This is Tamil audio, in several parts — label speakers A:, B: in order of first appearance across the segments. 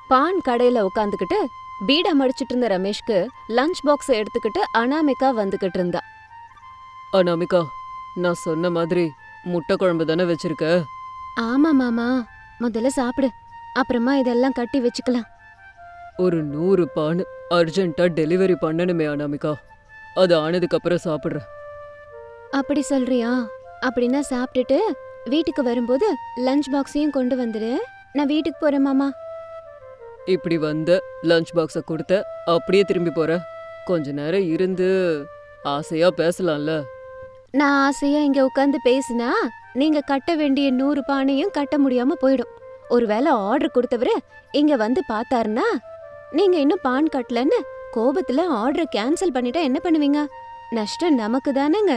A: பான் கடையில உட்காந்துக்கிட்டு பீடா மடிச்சிட்டு இருந்த ரமேஷ்க்கு லஞ்ச் பாக்ஸ் எடுத்துக்கிட்டு அனாமிகா வந்துகிட்டு இருந்தா.
B: அனாமிகா, நான் சொன்ன மாதிரி முட்டை குழம்பு தானே வச்சிருக்க?
A: ஆமா மாமா, முதல்ல சாப்பிடு, அப்புறமா இதெல்லாம் கட்டி வச்சுக்கலாம்.
B: ஒரு 100 பான் அர்ஜென்ட்டா டெலிவரி பண்ணணுமே அனாமிகா. அது ஆனதுக்கு அப்புறம் சாப்பிடுறேன்.
A: அப்படி சொல்றியா? அப்படின்னா சாப்பிட்டுட்டு வீட்டுக்கு வரும்போது லஞ்ச் பாக்ஸையும் கொண்டு வந்துடு. நான் வீட்டுக்கு போறேன் மாமா.
B: இப்படி வந்த லஞ்ச் பாக்ஸ கொடுத்த அப்படியே திரும்பி போற? கொஞ்ச நேரம் இருந்து ஆசையா பேசலாம்ல.
A: நான் ஆசையா இங்க உட்காந்து பேசினா நீங்க கட்ட வேண்டிய 100 பானையும் கட்ட முடியாம போயிடும். ஒருவேளை ஆர்டர் கொடுத்தவரு இங்க வந்து பார்த்தாருன்னா நீங்க இன்னும் பான் கட்டலன்னு கோபத்துல ஆர்டரை கேன்சல் பண்ணிட்டா என்ன பண்ணுவீங்க? நஷ்டம் நமக்கு தானேங்க.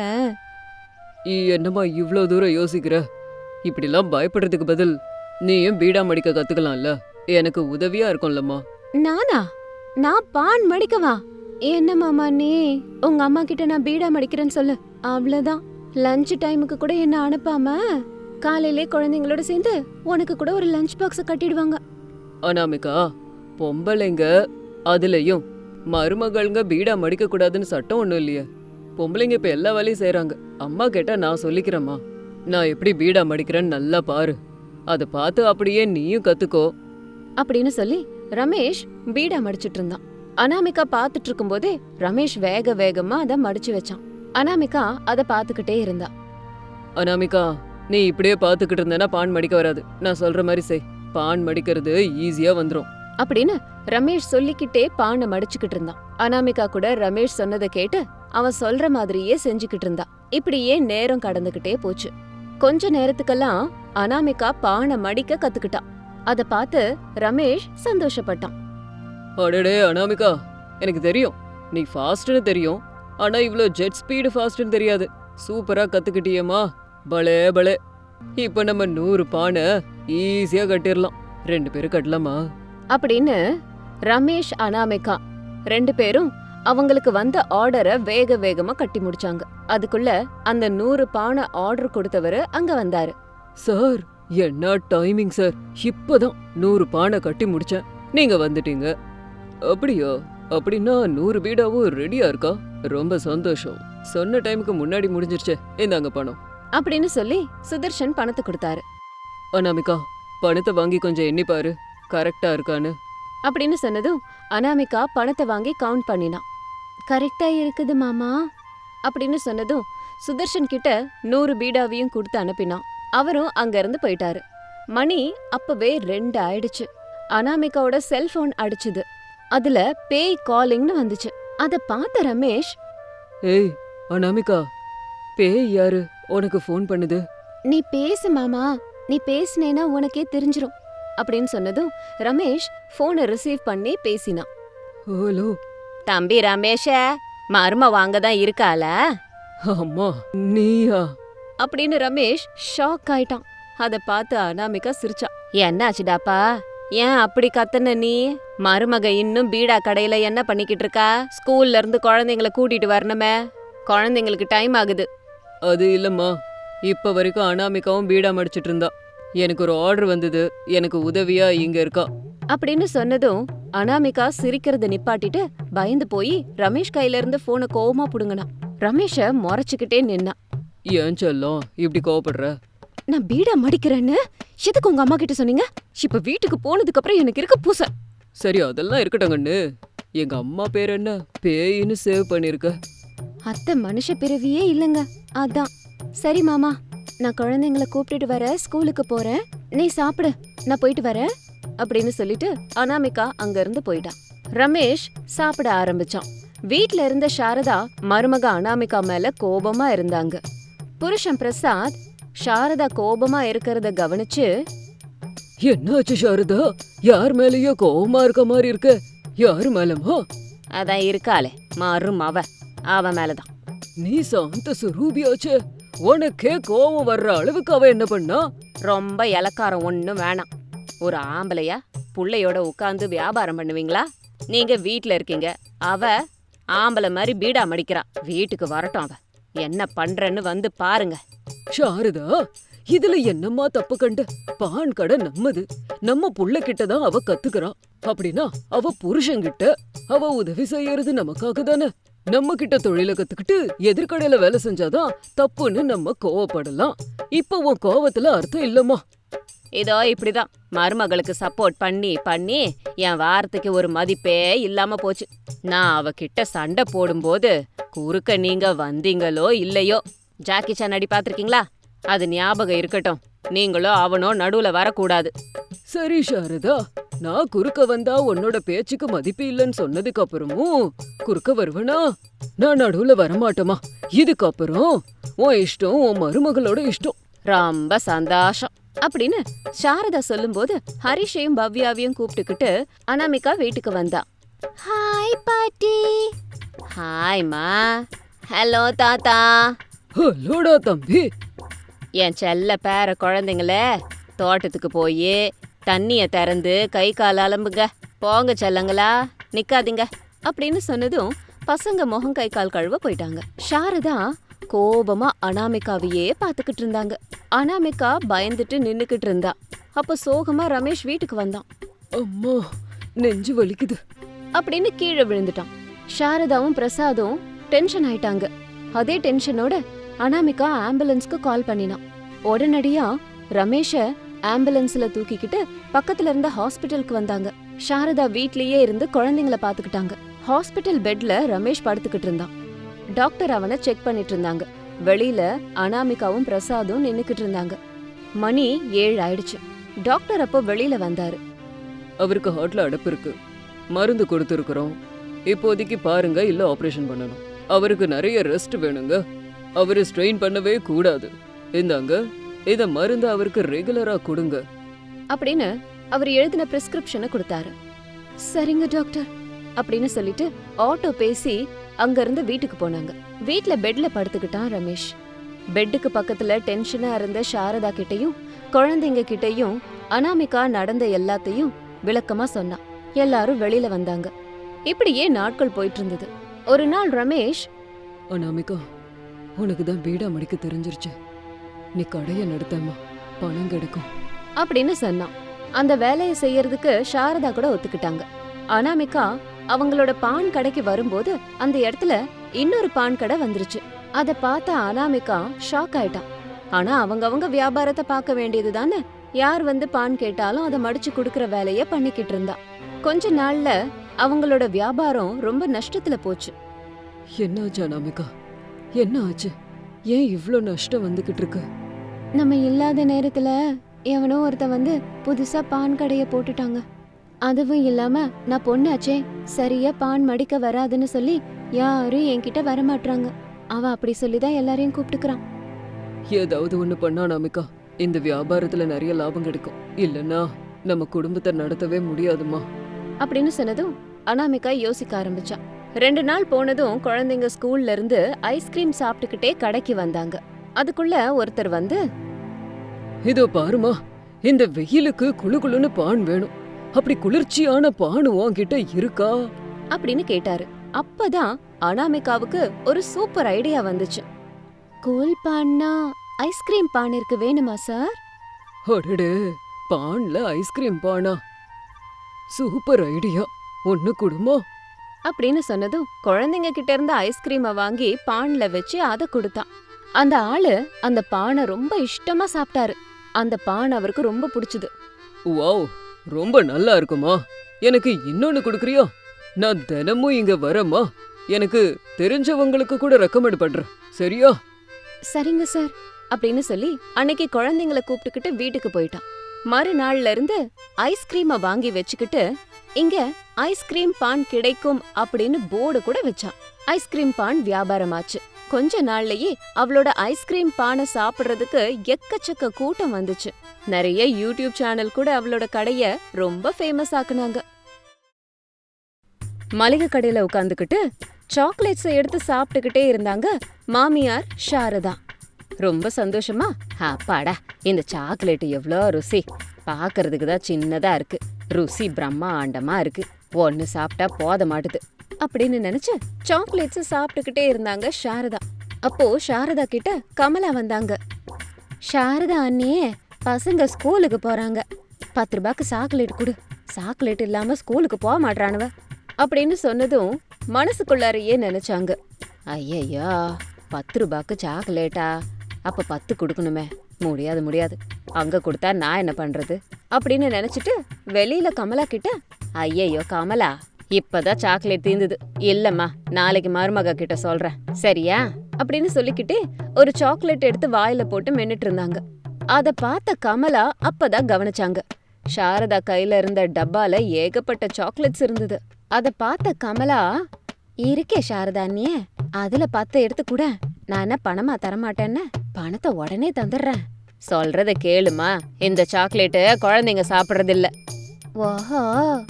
B: என்னம்மா இவ்ளோ தூரம் யோசிக்கிற? இப்படிலாம் பயப்படுறதுக்கு பதில் நீயும் பீடா மடிக்க கத்துக்கலாம்ல. எனக்கு உதவியா இருக்கும்லம்மா.
A: நானா? நான் பான் மடிக்கவா? என்ன மாமா நீ? உங்க அம்மா கிட்ட நான் பீடா மடிக்கிறேன்னு சொல்லு, அவ்வளவுதான். லஞ்ச் டைமுக்கு கூட என்ன அனுப்பாம காலையிலே குழந்தைங்களோட சேர்ந்து உனக்கு கூட ஒரு லஞ்ச் பாக்ஸ் கட்டிடுவாங்க.
B: அனாமிகா, பொம்பளைங்க அதுலயும் மருமகள்ங்க பீடா மடிக்க கூடாதுன்னு சட்டம் ஒண்ணும் இல்லையே. பொம்பளைங்க இப்ப எல்லா வேலையும் செய்யறாங்க. அம்மா கேட்டா நான் சொல்லிக்கிறேம்மா. நான் எப்படி பீடா மடிக்கிறேன்னு நல்லா பாரு. அதை பார்த்து அப்படியே நீயும் கத்துக்கோ
A: அப்படின்னு சொல்லி ரமேஷ் பீடா மடிச்சிட்டு இருந்தான். அனாமிகா பாத்துட்டு இருக்கும் போதே ரமேஷ் வேக வேகமா அதை மடிச்சு வச்சான். அனாமிகா அதை பாத்துக்கிட்டே இருந்தா.
B: அனாமிகா, நீ இப்படியே பாத்துக்கிட்டு இருந்தேன்னா பான் மடிக்க வராது. நான் சொல்ற மாதிரி செய். பான் மடிக்கிறது ஈஸியா வந்துரும்
A: அப்படின்னு ரமேஷ் சொல்லிக்கிட்டே பானை மடிச்சுக்கிட்டு இருந்தான். அனாமிகா கூட ரமேஷ் சொன்னதை கேட்டு அவன் சொல்ற மாதிரியே செஞ்சுக்கிட்டு இருந்தா. இப்படியே நேரம் கடந்துகிட்டே போச்சு. கொஞ்ச நேரத்துக்கெல்லாம் அனாமிகா பானை மடிக்க கத்துக்கிட்டான். அத பார்த்து ரமேஷ் சந்தோஷப்பட்டான்.
B: அடடே அனாமிகா, எனக்கு தெரியும் நீ ஃபாஸ்ட்னு தெரியும். ஆனா இவ்ளோ ஜெட் ஸ்பீடு ஃபாஸ்ட்னு தெரியாது. சூப்பரா கத்துக்கிட்டியேம்மா. பலே பலே. இப்ப நம்ம 100 பானை ஈஸியா கட்டிடலாம். 2 பேரும் கட்டலாமா?
A: அப்படின்னு ரமேஷ் அனாமிகா 2 பேரும் அவங்களுக்கு வந்த ஆர்டரை வேக வேகமா கட்டி முடிச்சாங்க. அதுக்குள்ள அந்த 100 பானை ஆர்டர் கொடுத்தவரு அங்க வந்தாரு.
B: சார், என்ன டைமிங் சார். இப்பதான் 100 பானை கட்டி முடிச்சேன், நீங்க வந்துட்டீங்க. அப்படியா? அப்படின்னா 100 பீடாவும் ரெடியா இருக்கா? ரொம்ப சந்தோஷம். சொன்ன டைமுக்கு முன்னாடி முடிஞ்சிருச்சே. இந்தாங்க பணம்
A: அப்படின்னு சொல்லி சுதர்ஷன் பணத்தை கொடுத்தாரு.
B: அனாமிகா, பணத்தை வாங்கி கொஞ்சம் எண்ணி பாரு, கரெக்டா இருக்கான்னு.
A: அப்படின்னு சொன்னதும் அனாமிகா பணத்தை வாங்கி கவுண்ட் பண்ணினான். கரெக்டா இருக்குது மாமா அப்படின்னு சொன்னதும் சுதர்ஷன் கிட்ட 100 பீடாவையும் கொடுத்து அனுப்பினான். அவரும் அங்க இருந்து போயிட்டாரு. மணி அப்பவே 2 ஆயிடுச்சு. அனாமிகாவோட செல்போன் அடிச்சுது. அதுல பேய் காலிங்னு வந்துச்சு. அத பார்த்த ரமேஷ்,
B: ஏய் அனாமிகா, பேய் யாரு உனக்கு ஃபோன் பண்ணுது?
A: நீ பேசு மாமா, நீ பேசினேனா உனக்கே தெரிஞ்சிரும் அப்படின்னு சொன்னதும் ரமேஷ் போனை ரிசீவ் பண்ணி பேசினான்.
B: ஹலோ
A: தம்பி ரமேஷ, மரும வாங்கதான் இருக்கால?
B: அம்மா நீயா?
A: அப்படின்னு ரமேஷ் ஷாக் ஆயிட்டான். அத பார்த்து அனாமிகா சிரிச்சா. என்னாச்சுடாப்பா, ஏன் அப்படி கத்துன நீ? மருமக இன்னும் பீடா கடையில என்ன பண்ணிக்கிட்டு இருக்கா? ஸ்கூல்ல இருந்து குழந்தைங்கள கூட்டிட்டு வரணுமே, குழந்தைங்களுக்கு டைம் ஆகுது.
B: அது இல்லம்மா, இப்ப வரைக்கும் அனாமிகாவும் பீடா மடிச்சிட்டு இருந்தா. எனக்கு ஒரு ஆர்டர் வந்தது, எனக்கு உதவியா இங்க இருக்கா
A: அப்படின்னு சொன்னதும் அனாமிகா சிரிக்கிறத நிப்பாட்டிட்டு பயந்து போய் ரமேஷ் கையில இருந்து போனை கோவமா புடுங்கினான். ரமேஷ முறைச்சுக்கிட்டே நின்னா.
B: ஏன் செல்லம் இப்படி கோவப்படுற?
A: நான் பீடா மடிக்கிறேன்னு எதுக்கு உங்க அம்மா கிட்ட சொன்னீங்க? இப்ப வீட்டுக்கு போனதுக்கு அப்புறம் எனக்கு இருக்க பூச.
B: சரி, அதெல்லாம் இருக்கட்டங்கண்ணு. எங்க அம்மா பேர் என்ன? பேயின்னு சேவ் பண்ணிருக்க.
A: அத்தை மனுஷ பிறவியே இல்லங்க, அதான். சரி மாமா, நான் குழந்தைங்களை கூப்பிட்டுட்டு வர ஸ்கூலுக்கு போறேன், நீ சாப்பிடு, நான் போயிட்டு வரேன் அப்படின்னு சொல்லிட்டு அனாமிகா அங்க இருந்து போயிட்டான். ரமேஷ் சாப்பிட ஆரம்பிச்சான். வீட்ல இருந்த சாரதா மருமக அனாமிகா மேல கோபமா இருந்தாங்க. புருஷன் பிரசாத் சாரதா கோபமா இருக்கிறத கவனிச்சு,
B: என்னாச்சு சாரதா? யார் மேலயோ கோவமா இருக்க மாதிரி இருக்க. யாரு மேலமா?
A: அதான் இருக்காளே மருமவ, அவ மேலதான்.
B: நீ சாந்த சுரூபியாச்சே, உனக்கே கோவம் வர்ற அளவுக்கு அவ என்ன பண்ணா?
A: ரொம்ப இலக்காரம் ஒண்ணும் வேணாம். ஒரு ஆம்பளையா புள்ளையோட உட்கார்ந்து வியாபாரம் பண்ணுவீங்களா? நீங்க வீட்ல இருக்கீங்க, அவ ஆம்பளை மாதிரி பீடா மடிக்கிறா. வீட்டுக்கு வரட்டும், அவ என்ன பண்றன்னு வந்து பாருங்க.
B: சாரதா, இதுல என்னம்மா தப்பு கண்ட? பான் கடை நம்மது, நம்ம புள்ள கிட்டதான் அவ கத்துக்கிறா. அப்படின்னா அவ புருஷன்கிட்ட அவ உதவி செய்யறது நமக்காக தானே. நம்ம கிட்ட தொழில கத்துக்கிட்டு எதிர்கடையில வேலை செஞ்சாதான் தப்புன்னு நம்ம கோவப்படலாம். இப்ப உன் கோவத்துல அர்த்தம் இல்லம்மா.
A: இதோ இப்படிதான் மருமகளுக்கு சப்போர்ட் பண்ணி பண்ணி என் வார்த்தைக்கு ஒரு மதிப்பே இல்லாம போச்சு. நான் அவகிட்ட சண்டை போடும்போது குறுக்க நீங்க வந்தீங்களோ இல்லையோ, ஜாக்கி சான் அடி பாத்திருக்கீங்களா? அது ஞாபகம் இருக்கட்டும். நீங்களோ அவனோ நடுவுல வரக்கூடாது.
B: சரி சாரதா, நான் குறுக்க வந்தா உன்னோட பேச்சுக்கு மதிப்பு இல்லைன்னு சொன்னதுக்கு அப்புறமும் குறுக்க வருவனா? நான் நடுவுல வரமாட்டோமா. இதுக்கப்புறம் உன் இஷ்டம், உன் மருமகளோட இஷ்டம்.
A: ரொம்ப சந்தோஷம் அப்படின்னு சாரதா சொல்லும்போது ஹரிஷையும் பவ்யாவையும் கூப்பிட்டுக்கிட்டு அனாமிகா வீட்டுக்கு வந்தா. ஹாய் பாட்டி. ஹாய்மா. ஹலோ தாத்தா.
B: ஹலோடா தம்பி.
A: என் செல்ல பேர குழந்தைங்களே, தோட்டத்துக்கு போய் தண்ணிய திறந்து கை கால் அலம்புங்க. போங்க செல்லங்களா, நிக்காதீங்க அப்படின்னு சொன்னதும் பசங்க முகம் கை கால் கழுவ போயிட்டாங்க. சாரதா கோபமா அனாமிகாவையே பாத்துக்கிட்டு இருந்தாங்க. அனாமிகா பயந்துட்டு நின்னுக்கிட்டு இருந்தா. அப்ப சோகமா ரமேஷ் வீட்டுக்கு வந்தான்.
B: அம்மா, நெஞ்சு வலிக்குது
A: அப்படின்னு கீழே விழுந்துட்டான். சாரதாவும் பிரசாதும் டென்ஷன் ஆயிட்டாங்க. அதே டென்ஷனோட அனாமிகா ஆம்புலன்ஸ்க்கு கால் பண்ணினான். உடனடியா ரமேஷ ஆம்புலன்ஸ்ல தூக்கிக்கிட்டு பக்கத்துல இருந்த ஹாஸ்பிட்டலுக்கு வந்தாங்க. சாரதா வீட்லயே இருந்து குழந்தைங்கள பாத்துக்கிட்டாங்க. ஹாஸ்பிட்டல் பெட்ல ரமேஷ் படுத்துக்கிட்டு இருந்தான். டாக்டர் அவனை செக் பண்ணிட்டு இருந்தாங்க. வெளியில அனாமிகாவும் பிரசாதும் நின்னுக்கிட்டு இருந்தாங்க. மணி 7 ஆயிடுச்சு. டாக்டர் அப்போ வெளியில வந்தாரு.
B: அவருக்கு ஹார்ட்ல அடைப்பு இருக்கு, மருந்து கொடுத்துருக்குறோம். இப்போதைக்கு பாருங்க, இல்ல ஆபரேஷன் பண்ணணும். அவருக்கு நிறைய ரெஸ்ட் வேணுங்க. அவரு ஸ்ட்ரெயின் பண்ணவே கூடாது. இந்தாங்க, இத மருந்து அவருக்கு ரெகுலரா கொடுங்க
A: அப்படின்னு அவர் எழுதின பிரிஸ்கிரிப்ஷனை கொடுத்தாரு. சரிங்க டாக்டர் அப்படின்னு சொல்லிட்டு ஆட்டோ பேசி அங்க இருந்து வீட்டுக்கு போனாங்க. வீட்ல பெட்ல படுத்துக்கிட்டான் ரமேஷ். பெட்டுக்கு பக்கத்துல டென்ஷனா இருந்த சாரதா கிட்டயும் குழந்தைங்க கிட்டயும் அனாமிகா நடந்த எல்லாத்தையும் விளக்கமா சொன்னான். எல்லாரும் வெளியில வந்தாங்க. இப்படியே நாட்கள் போயிட்டு இருந்தது. ஒரு நாள் ரமேஷ்,
B: அனாமிகா, உனக்கு தான் பீடா மடிக்க தெரிஞ்சிருச்சு. நீ கடைய நடத்தம்மா, பணம் கிடைக்கும்
A: அப்படின்னு சொன்னான். அந்த வேலையை செய்யறதுக்கு சாரதா கூட ஒத்துக்கிட்டாங்க. அனாமிகா அவங்களோட பான் கடைக்கு வரும்போது அந்த இடத்துல இன்னொரு பான் கடை வந்துருச்சு. அத பார்த்த அனாமிகா ஷாக் ஆயிட்டான். ஆனா அவங்க வியாபாரத்தை பார்க்க வேண்டியது தானே. யார் வந்து பான் கேட்டாலும் அதை மடிச்சு குடுக்கற வேலைய பண்ணிக்கிட்டு இருந்தா. கொஞ்ச நாள்ல அவங்களோட வியாபாரம் ரொம்ப நஷ்டத்துல போச்சு.
B: என்னாச்சு அனாமிகா, என்ன ஆச்சு? ஏன் இவ்ளோ நஷ்டம் வந்துகிட்டு இருக்கு?
A: நம்ம இல்லாத நேரத்துல எவனோ ஒருத்த வந்து புதுசா பான் கடைய போட்டுட்டாங்க. அதுவும் இல்லாம நான் பொண்ணாச்சே, சரியா பான் மடிக்க வராதுன்னு சொல்லி யாரும் என்கிட்ட வரமாட்டாங்க. அவ அப்படி சொல்லிதான் எல்லாரையும் கூப்பிட்டுக்கிறான்.
B: ஏதாவது ஒண்ணு பண்ணா அனாமிகா, இந்த வியாபாரத்துல நிறைய லாபம் கிடைக்கும். இல்லன்னா நம்ம குடும்பத்தை நடத்தவே முடியாதுமா
A: அப்படின்னு சொன்னதும் அனாமிகா யோசிக்க ஆரம்பிச்சா. 2 நாள் போனதும் குழந்தைங்க ஸ்கூல்ல இருந்து ஐஸ்கிரீம் சாப்பிட்டுக்கிட்டே கடைக்கு வந்தாங்க. அதுக்குள்ள ஒருத்தர் வந்து,
B: இதோ பாருமா, இந்த வெயிலுக்கு குளு குளுன்னு பான் வேணும். அப்படி குளிர்ச்சியான பான் உன்கிட்ட இருக்கா
A: அப்படின்னு கேட்டாரு. அப்பதான் அனாமிகாவுக்கு ஒரு சூப்பர் ஐடியா வந்துச்சு. கூல் பான்னா ஐஸ்கிரீம் பான் இருக்கு, வேணுமா சார்?
B: அடடே, பான்ல ஐஸ்கிரீம் பானா? சூப்பர் ஐடியா, ஒண்ணு குடுமா
A: அப்படின்னு சொன்னதும் குழந்தைங்க கிட்ட இருந்த ஐஸ்கிரீமை வாங்கி பான்ல வச்சு அதை கொடுத்தான். அந்த ஆளு அந்த பானை ரொம்ப இஷ்டமா சாப்பிட்டாரு. அந்த பான் அவருக்கு ரொம்ப பிடிச்சது.
B: வாவ், ரொம்ப நல்லா இருக்குமா. எனக்கு இன்னொன்னு கொடுக்குறியா? நான் தினமும் இங்க வரேம்மா. எனக்கு தெரிஞ்சவங்களுக்கு கூட ரெக்கமெண்ட் பண்றேன், சரியா?
A: சரிங்க சார் அப்படின்னு சொல்லி அன்னைக்கு குழந்தைங்கள கூப்பிட்டுக்கிட்டு வீட்டுக்கு போயிட்டான். மறுநாள்ல இருந்து ஐஸ்கிரீமை வாங்கி வச்சுக்கிட்டு இங்க ஐஸ்கிரீம் பான் கிடைக்கும் அப்படின்னு போர்டு கூட வச்சான். ஐஸ்கிரீம் பான் வியாபாரமாச்சு. கொஞ்ச நாள்லயே அவளோட ஐஸ்கிரீம் பானை சாப்பிடுறதுக்கு எக்கச்சக்க கூட்டம் வந்துச்சு. நிறைய யூடியூப் சேனல் கூட அவளோட கடைய ரொம்ப ஃபேமஸ் ஆக்குனாங்க. மளிகை கடையில உட்காந்துக்கிட்டு சாக்லேட்ஸை எடுத்து சாப்பிட்டுக்கிட்டே இருந்தாங்க மாமியார் சாரதா. ரொம்ப சந்தோஷமா, அப்பாடா, இந்த சாக்லேட் எவ்வளோ ருசி, பாக்குறதுக்கு தான் சின்னதா இருக்கு, ருசி பிரம்மாண்டமா இருக்கு, ஒன்னு சாப்பிட்டா போத மாட்டுது அப்படின்னு நினைச்சு சாக்லேட்ஸ் சாப்பிட்டுக்கிட்டே இருந்தாங்க சாரதா. அப்போ சாரதா கிட்ட கமலா வந்தாங்க. சாரதா அண்ணியே, பசங்க ஸ்கூலுக்கு போறாங்க, 10 ரூபாய்க்கு சாக்லேட் கொடு சாக்லேட் இல்லாம ஸ்கூலுக்கு போக மாட்றானுவ அப்படின்னு சொன்னதும் மனசுக்குள்ளாரையே நினைச்சாங்க. ஐயையோ, 10 ரூபாய்க்கு சாக்லேட்டா? அப்ப 10 கொடுக்கணுமே. முடியாது முடியாது, அங்க கொடுத்தா நான் என்ன பண்றது அப்படின்னு நினைச்சிட்டு வெளியில கமலா கிட்ட, ஐயையோ கமலா, இப்பதான் சாக்லேட் தீந்துது, இல்லம்மா நாளைக்கு மருமக கிட்ட சொல்றேன் சரியா அப்படின்னு சொல்லிக்கிட்டு ஒரு சாக்லேட் எடுத்து வாயில போட்டு மென்னுட்டு இருந்தாங்க. அத பார்த்த கமலா அப்பதான் கவனிச்சாங்க. சாரதா கையில இருந்த டப்பால ஏகப்பட்ட சாக்லேட்ஸ் இருந்தது. அத பார்த்த கமலா, இருக்கே சாரதா அண்ணியே, அதுல 10 எடுத்து கூட, நான் என்ன பணமா தரமாட்டேன்னு, பணத்தை உடனே தந்துடுறேன். சொல்றத கேளுமா, இந்த சாக்லேட்டு குழந்தைங்க சாப்பிடுறது இல்ல. ஓஹோ,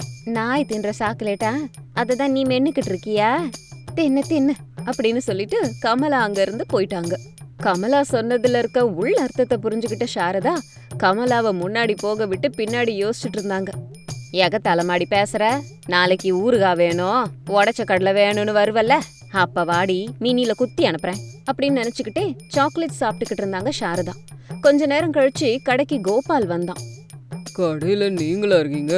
A: நாய் தின்ற சாக்லேட்டா? அததான் நீ மென்னுக்கிட்டு இருக்கியா? தின்னு தின்னு அப்படின்னு சொல்லிட்டு கமலா அங்க இருந்து போயிட்டாங்க. கமலா சொன்னதுல இருக்க உள் அர்த்தத்தை புரிஞ்சுக்கிட்ட சாரதா கமலாவை முன்னாடி போக விட்டு பின்னாடி யோசிச்சுட்டு இருந்தாங்க. எக தலைமாடி பேசுற, நாளைக்கு ஊறுகாய் வேணும், உடைச்ச கடலை வேணும்னு வருவல்ல, அப்ப வாடி மினில குத்தி அனுப்புறேன் அப்படின்னு நினைச்சுக்கிட்டே சாக்லேட் சாப்பிட்டுக்கிட்டு இருந்தாங்க சாரதா. கொஞ்ச நேரம் கழிச்சு கடைக்கு கோபால் வந்தான்.
B: கடையில நீங்களா இருக்கீங்க?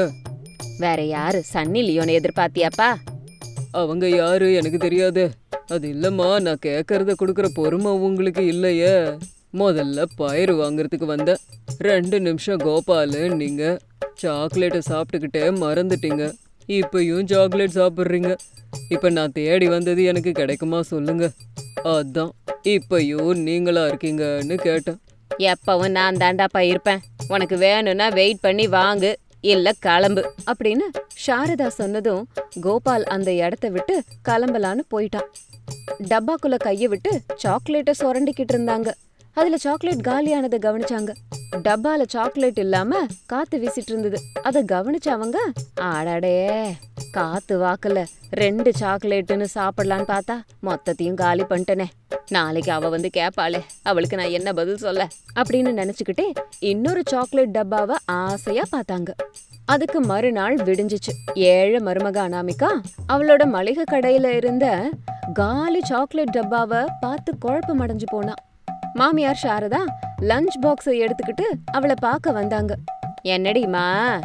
A: வேற யாரு, சன்னி லியோனை எதிர்பார்த்தியாப்பா?
B: அவங்க யாரு எனக்கு தெரியாது. அது இல்லம்மா, நான் கேட்கறத கொடுக்கற பொறுமை உங்களுக்கு இல்லையே. முதல்ல பயிர் வாங்குறதுக்கு வந்தேன். 2 நிமிஷம் கோபாலு, நீங்க சாக்லேட்டை சாப்பிட்டுக்கிட்டே மறந்துட்டீங்க. இப்பயும் சாக்லேட் சாப்பிட்றீங்க. இப்ப நான் தேடி வந்தது எனக்கு கிடைக்குமா சொல்லுங்க. அதான் இப்பயும் நீங்களா இருக்கீங்கன்னு கேட்டேன்.
A: எப்பவும் நான் தாண்டாப்பா இருப்பேன், உனக்கு வேணும்னா வெயிட் பண்ணி வாங்கு, இல்ல கிளம்பு அப்படின்னு சாரதா சொன்னதும் கோபால் அந்த இடத்த விட்டு கிளம்பலான்னு போயிட்டான். டப்பாக்குள்ள கைய விட்டு சாக்லேட்டை சுரண்டிக்கிட்டு இருந்தாங்க. அதுல சாக்லேட் காலியானதை கவனிச்சாங்க. டப்பால சாக்லேட் இல்லாம காத்து வீசிட்டு இருந்தது. அத கவனிச்ச அவங்க, ஆடாடே, காத்து வாக்குல 2 சாக்லேட்டுன்னு சாப்பிடலான்னு பார்த்தா மொத்தத்தையும் காலி பண்ணிட்டனே, நாளைக்கு அவ வந்து கேப்பாளே, அவளுக்கு நான் என்ன பதில் சொல்ல அப்படின்னு நினைச்சுக்கிட்டே இன்னொரு சாக்லேட் டப்பாவை ஆசையா பார்த்தாங்க. அதுக்கு மறுநாள் விடிஞ்சிச்சு. ஏழை மருமக அனாமிகா அவளோட மளிகை கடையில இருந்த காலி சாக்லேட் டப்பாவை பார்த்து குழப்பம் அடைஞ்சு போனா. மாமியார் சாரதா லஞ்ச் பாக்ஸை எடுத்துக்கிட்டு அவளை பார்க்க வந்தாங்க. என்னடிமா,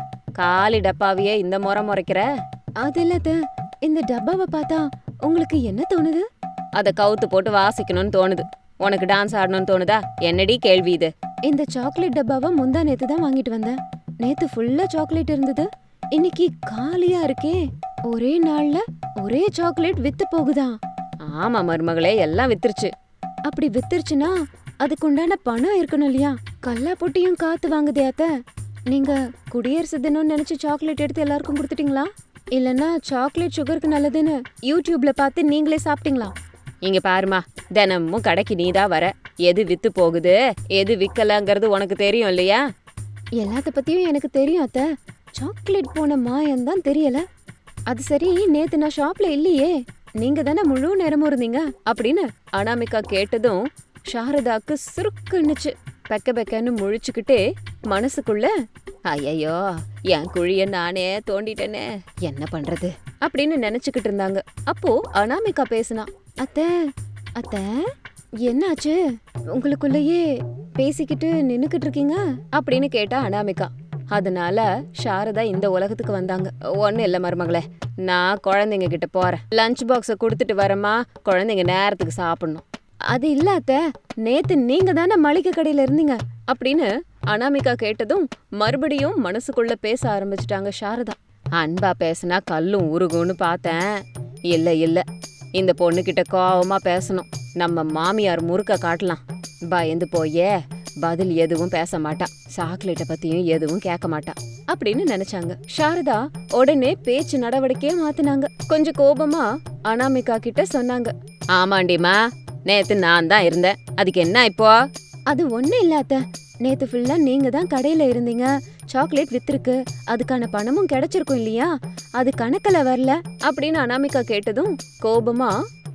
A: காலி டப்பாவையே இந்த முறைக்கிற? அது இல்ல, இந்த டப்பாவை பார்த்தா உங்களுக்கு என்ன தோணுது? அத கவுத்து போட்டு வாசிக்கணும்னு தோணுது. உனக்கு டான்ஸ் ஆடணும்னு தோணுதா? என்னடி கேள்வி இது? இந்த சாக்லேட் டப்பாவை முந்தா நேத்து தான் வாங்கிட்டு வந்தேன். நேத்து ஃபுல்லா சாக்லேட் இருந்தது, இன்னைக்கு காலியா இருக்கே. ஒரே நாள்ல ஒரே சாக்லேட் வித்து போகுதா? ஆமா மருமகளே, எல்லாம் வித்துருச்சு. அப்படி வித்துருச்சுன்னா அதுக்குண்டான பணம் இருக்கணும் இல்லையா? கல்லா பொட்டியும் காத்து வாங்குதே அத்த. நீங்க குடியரசு தினம்னு நினைச்சு சாக்லேட் எடுத்து எல்லாருக்கும் கொடுத்துட்டீங்களா? இல்லன்னா சாக்லேட் சுகருக்கு நல்லதுன்னு யூடியூப்ல பார்த்து நீங்களே சாப்பிட்டீங்களா? இங்க பாருமா, தினமும் கடைக்கு நீதான் வர, எது வித்து போகுது எது விக்கலங்கிறது உனக்கு தெரியும் இல்லையா? எல்லாத்த பத்தியும் எனக்கு தெரியும் அத்த, சாக்லேட் போன மாயம்தான் தெரியல. அது சரி, நேத்து நான் ஷாப்ல இல்லையே, நீங்க தானே முழு நேரமும் இருந்தீங்க அப்படின்னு அனாமிகா கேட்டதும் சாரதாக்கு சுருக்குன்னுச்சு. பெக்க பெக்கன்னு முழிச்சுக்கிட்டே மனசுக்குள்ள, ஐயோ என் குழிய நானே தோண்டிட்டேனே, என்ன பண்றது அப்படின்னு நினைச்சுக்கிட்டு இருந்தாங்க. அப்போ அனாமிகா பேசினா. அத்தை அத்தை, என்னாச்சு, உங்களுக்குள்ளேயே பேசிக்கிட்டு நின்னுக்கிட்டு இருக்கீங்க அப்படின்னு கேட்டா அனாமிகா. அதனால சாரதா இந்த உலகத்துக்கு வந்தாங்க. ஒன்னும் இல்ல மருமகளே, நான் குழந்தைங்க கிட்ட போறேன், லஞ்ச் பாக்ஸ கொடுத்துட்டு வரேம்மா, குழந்தைங்க நேரத்துக்கு சாப்பிடணும். அது இல்ல அத்தை, நேத்து நீங்க தானே மளிகை கடையில இருந்தீங்க அப்படின்னு அனாமிகா கேட்டதும் மறுபடியும் மனசுக்குள்ள பேச ஆரம்பிச்சுட்டாங்க சாரதா. அன்பா பேசினா கல்லும் உருகும்னு பார்த்தேன். இல்ல, இந்த பொண்ணுகிட்ட கோவமா பேசணும், நம்ம மாமியார் முறுக்க காட்டலாம். பயந்து போயே பதில் எதுவும் பேச மாட்டா, சாக்லேட்டை பத்தியும் எதுவும் கேட்க மாட்டா அப்படின்னு நினைச்சாங்க. சாரதா உடனே பேச்சு நடவடிக்கையே மாத்தினாங்க. கொஞ்சம் கோபமா அனாமிகா கிட்ட சொன்னாங்க. ஆமாண்டிமா, நேத்து நான் தான் இருந்தேன், அதுக்கு என்ன இப்போ? அது ஒண்ணு இல்லாத, நேத்து ஃபுல்லா நீங்க தான் கடையில இருந்தீங்க, சாக்லேட் வித்திருக்கு, அதுக்கான பணமும் கிடைச்சிருக்கும் இல்லையா, அது கணக்குல வரல அப்படின்னு அனாமிகா கேட்டதும் கோபமா,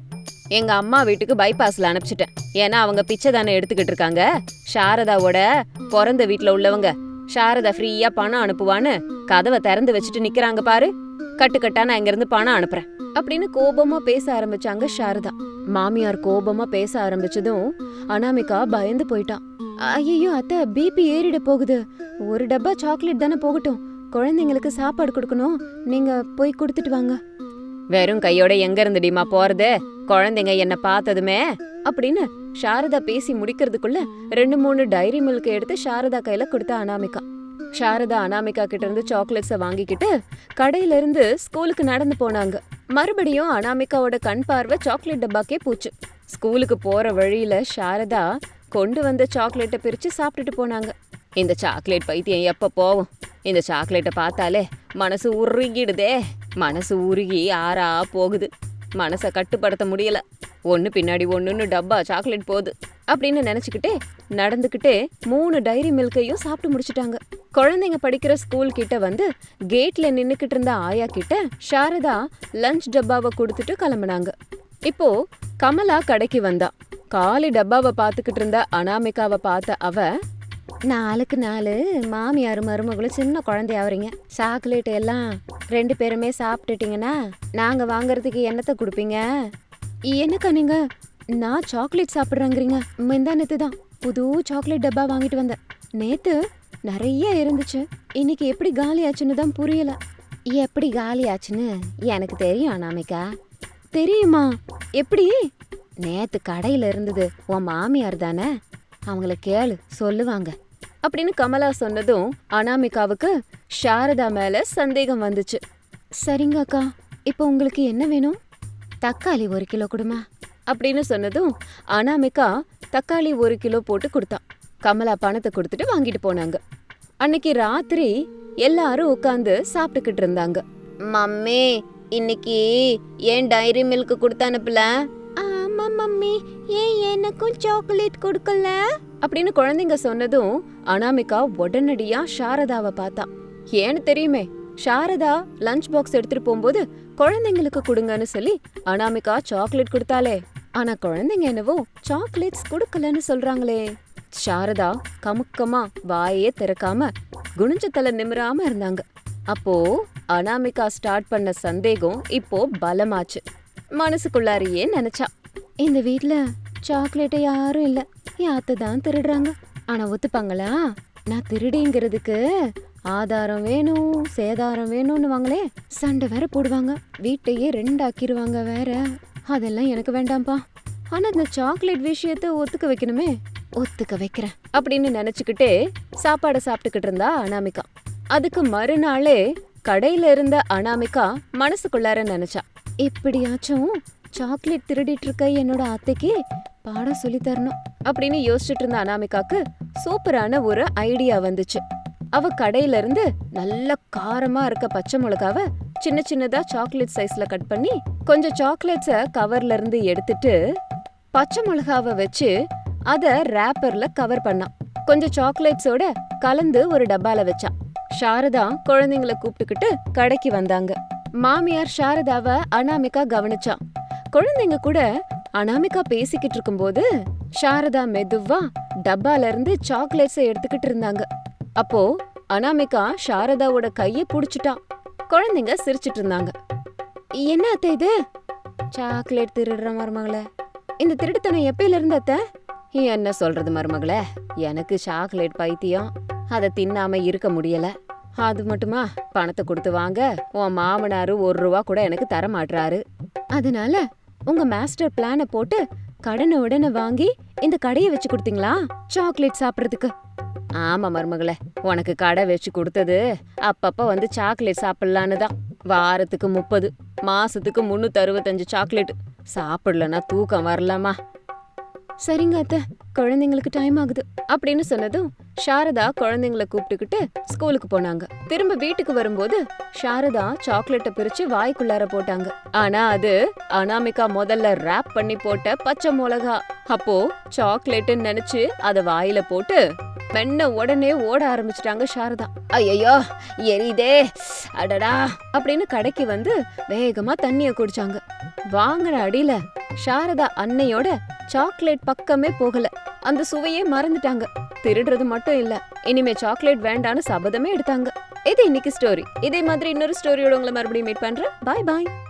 A: எங்க அம்மா வீட்டுக்கு பைபாஸ்ல அனுப்பிச்சிட்டேன், ஏன்னா அவங்க பிச்சை தானே எடுத்துக்கிட்டு இருக்காங்க. சாரதாவோட பிறந்த வீட்டுல உள்ளவங்க சாரதா ஃப்ரீயா பணம் அனுப்புவான்னு கதவை திறந்து வச்சுட்டு நிக்கிறாங்க பாரு, கட்டுக்கட்டா நான் இங்க இருந்து பணம் அனுப்புறேன் அப்படின்னு கோபமா பேச ஆரம்பிச்சாங்க சாரதா. மாமியார் கோபமா பேச ஆரம்பிச்சதும் அனாமிகா பயந்து போயிட்டான். ஐயோ அத்தை, பிபி ஏறிட போகுது, ஒரு டப்பா சாக்லேட் தானே போகட்டும், குழந்தைங்களுக்கு சாப்பாடு கொடுக்கணும், நீங்க போய் கொடுத்துட்டு வாங்க. வெறும் கையோட எங்க இருந்துடிமா போறது, குழந்தைங்க என்ன பார்த்ததுமே அப்படின்னு சாரதா பேசி முடிக்கிறதுக்குள்ள 2-3 டைரி மில்க் எடுத்து சாரதா கையில கொடுத்தா அனாமிகா. சாரதா அனாமிகா கிட்ட இருந்து சாக்லேட்ஸை வாங்கிக்கிட்டு கடையில இருந்து ஸ்கூலுக்கு நடந்து போனாங்க. மறுபடியும் அனாமிகாவோட கண் பார்வை சாக்லேட் டப்பாக்கே போச்சு. ஸ்கூலுக்கு போற வழியில சாரதா கொண்டு வந்த சாக்லேட்டை பிரிச்சு சாப்பிட்டுட்டு போனாங்க. இந்த சாக்லேட் பைத்தியம் எப்ப போகும், இந்த சாக்லேட்டை பார்த்தாலே மனசு உருகிடுதே, மனசு உருகி ஆறா போகுது, மனசை கட்டுப்படுத்த முடியல, ஒன்னு பின்னாடி ஒண்ணுன்னு டப்பா சாக்லேட் போகுது அப்படின்னு நினைச்சுக்கிட்டே நடந்துக்கிட்டே 3 டைரி மில்கையும் சாப்பிட்டு முடிச்சிட்டாங்க. குழந்தைங்க படிக்கிற ஸ்கூல் கிட்ட வந்து கேட்ல நின்னுக்கிட்டு இருந்த ஆயா கிட்ட சாரதா லஞ்ச் டப்பாவை கொடுத்துட்டு கிளம்புனாங்க. இப்போ கமலா கடைக்கு வந்தா. காலி டப்பாவை பார்த்துக்கிட்டு இருந்த அனாமிகாவை பார்த்த அவ, 4க்கு 4 மாமியார் மருமகளும் சின்ன குழந்தையாவறீங்க, சாக்லேட் எல்லாம் 2 பேருமே சாப்பிட்டுட்டீங்கன்னா நாங்க வாங்குறதுக்கு என்னத்தை கொடுப்பீங்க? என்னக்கா நீங்க, நான் சாக்லேட் சாப்பிட்றேங்கிறீங்க? முந்தானத்து தான் புது சாக்லேட் டப்பா வாங்கிட்டு வந்தேன். நேத்து நிறைய இருந்துச்சு, இன்னைக்கு எப்படி காலி ஆச்சுன்னு தான் புரியல. எப்படி காலி ஆச்சுன்னு எனக்கு தெரியும் அனாமிகா. தெரியுமா? எப்படி? நேத்து கடையில இருந்தது உன் மாமியார் தானே, அவங்கள கேளு சொல்லுவாங்க அப்படின்னு கமலா சொன்னதும் அனாமிகாவுக்கு சாரதா மேல சந்தேகம் வந்துச்சு. சரிங்க அக்கா, இப்போ உங்களுக்கு என்ன வேணும்? தக்காளி 1 கிலோ கொடுமா அப்படின்னு சொன்னதும் அனாமிகா தக்காளி 1 கிலோ போட்டு கொடுத்தா. கமலா பணத்தை கொடுத்துட்டு வாங்கிட்டு போனாங்க. அன்னைக்கு ராத்திரி எல்லாரும் உட்காந்து சாப்பிட்டுக்கிட்டு இருந்தாங்க. மம்மி, இன்னைக்கு ஏன் டைரி மில்க் கொடுத்து அனுப்பல? ஆமா மம்மி, ஏன் எனக்கும் சாக்லேட் கொடுக்கல அப்படின்னு குழந்தைங்க சொன்னதும் அனாமிகா உடனடியா சாரதாவை பார்த்தா. ஏன்னு தெரியுமே, சாரதா லஞ்ச் பாக்ஸ் எடுத்துட்டு போகும்போது குழந்தைங்களுக்கு கொடுங்கன்னு சொல்லி அனாமிகா சாக்லேட் கொடுத்தாலே. ஆனா குழந்தைங்க என்னவோ சாக்லேட்ஸ் கொடுக்கலன்னு சொல்றாங்களே. சாரதா கமுக்கமா வாயே திறக்காம குனிஞ்ச தலை நிமிராம இருந்தாங்க. அப்போ அனாமிகா ஸ்டார்ட் பண்ண சந்தேகம் இப்போ பலமாச்சு. மனசுக்குள்ளாரியே நினைச்சா, இந்த வீட்ல சாக்லேட்டை யாரும் இல்ல, என் அத்தை தான் திருடுறாங்க. ஆனா ஒத்துப்பாங்களா? நான் திருடிங்கிறதுக்கு ஆதாரம் வேணும், சேதாரம் வேணும்னு வாங்களே, சண்டை வேற போடுவாங்க, வீட்டையே 2 ஆக்கிடுவாங்க வேற. அதெல்லாம் எனக்கு வேண்டாம்ப்பா. ஆனா இந்த சாக்லேட் விஷயத்த ஒத்துக்க வைக்கணுமே, ஒத்துக்க வைக்கிறேன் அப்படின்னு நினைச்சுக்கிட்டே சாப்பாடை சாப்பிட்டுக்கிட்டு இருந்தா அனாமிகா. அதுக்கு மறுநாளே கடையில இருந்த அனாமிகா மனசுக்குள்ளார நினைச்சா, இப்படியாச்சும் சாக்லேட் திருடிட்டு இருக்க என்னோட அத்தைக்கு பாடம் சொல்லி தரணும் அப்படின்னு யோசிச்சுட்டு இருந்த அனாமிகாக்கு சூப்பரான ஒரு ஐடியா வந்துச்சு. அவ கடையில இருந்து நல்ல காரமா இருக்க பச்சை மிளகாவை சின்ன சின்னதா சாக்லேட் சைஸ்ல கட் பண்ணி கொஞ்சம் சாக்லேட்ஸ கவர்ல இருந்து எடுத்துட்டு பச்சை மிளகாவை வச்சு அத ரேப்பர்ல கவர் பண்ணா. கொஞ்சம் சாக்லேட்ஸோட கலந்து ஒரு டப்பால வச்சா. சாரதா குழந்தைங்கள கூப்பிட்டுக்கிட்டு கடைக்கு வந்தாங்க. மாமியார் சாரதாவை அனாமிகா கவனிச்சா. குழந்தைங்க கூட அனாமிகா பேசிக்கிட்டு இருக்கும்போது சாரதா மெதுவா டப்பால இருந்து சாக்லேட்ஸை எடுத்துக்கிட்டு இருந்தாங்க. அப்போ அனாமிகா சாரதாவோட கைய புடிச்சிட்டா. குழந்தைங்க சிரிச்சிட்டு இருந்தாங்க. என்ன அத்தை இது? சாக்லேட் திருடுற மருமகளே, இந்த திருட்டுத்தனம் எப்பயில இருந்து அத்தை? என்ன சொல்றது மருமகளே, எனக்கு சாக்லேட் பைத்தியம், அதை தின்னாம இருக்க முடியல. அது மட்டுமா, பணத்தை கொடுத்து வாங்க உன் மாமனாரு 1 ரூபா கூட எனக்கு தர மாட்டாரு. அதனால உங்க மாஸ்டர் பிளான போட்டு கடனை உடனே வாங்கி இந்த கடையை வச்சு கொடுத்தீங்களா சாக்லேட் சாப்பிடுறதுக்கு? ஆமா மருமகளே, உனக்கு கடை வச்சு கொடுத்தது அப்பப்ப வந்து சாக்லேட் சாப்பிடலான்னு தான். வாரத்துக்கு 30, மாசத்துக்கு 365 சாக்லேட் சாப்பிடலன்னா தூக்கம் வரலாமா? சரிங்க அத்தை, குழந்தைங்களுக்கு டைம் ஆகுது அப்படின்னு சொன்னதும் சாரதா குழந்தைங்கள கூப்பிட்டுக்கிட்டு ஸ்கூலுக்கு போனாங்க. திரும்ப வீட்டுக்கு வரும்போது சாரதா சாக்லேட்டை பிரிச்சு வாய்க்குள்ளார போட்டாங்க. ஆனா அது அனாமிகா முதல்ல ரேப் பண்ணி போட்ட பச்சை மிளகா. அப்போ சாக்லேட்னு நினைச்சு அத வாயில போட்டு மென்ன உடனே ஓட ஆரம்பிச்சிட்டாங்க சாரதா. ஐயோ எரிதே அடடா அப்படின்னு கடைக்கு வந்து வேகமா தண்ணிய குடிச்சாங்க. வாங்குற அடியில சாரதா அன்னையோட சாக்லேட் பக்கமே போகல. அந்த சுவையே மறந்துட்டாங்க. திருடுறது மட்டும் இல்ல, இனிமே சாக்லேட் வேண்டான்னு சபதமே எடுத்தாங்க. இது இன்னைக்கு ஸ்டோரி. இதே மாதிரி இன்னொரு ஸ்டோரியோட உங்களை மறுபடியும் மீட் பண்றேன். பாய் பாய்.